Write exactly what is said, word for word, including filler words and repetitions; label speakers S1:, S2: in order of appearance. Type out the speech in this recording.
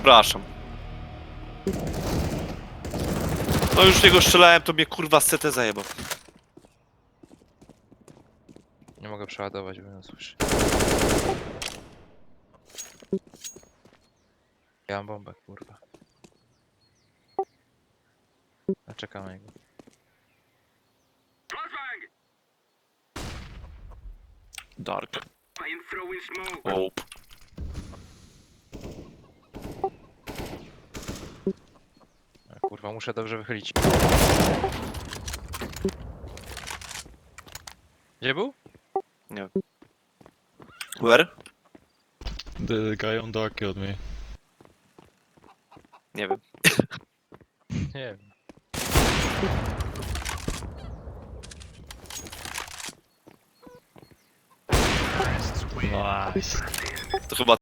S1: Przepraszam. No już w niego strzelałem, to mnie kurwa z C T zajebał.
S2: Nie mogę przeładować, bo nie słyszę. Ja mam bombę, kurwa. A czekamy jego.
S1: Dark. Ope.
S2: A, kurwa, muszę dobrze wychylić. Gdzie był?
S1: Nie. Where?
S3: The guy on dark killed me.
S1: Nie wiem.
S2: Nie wiem.
S3: Nice.
S1: To chyba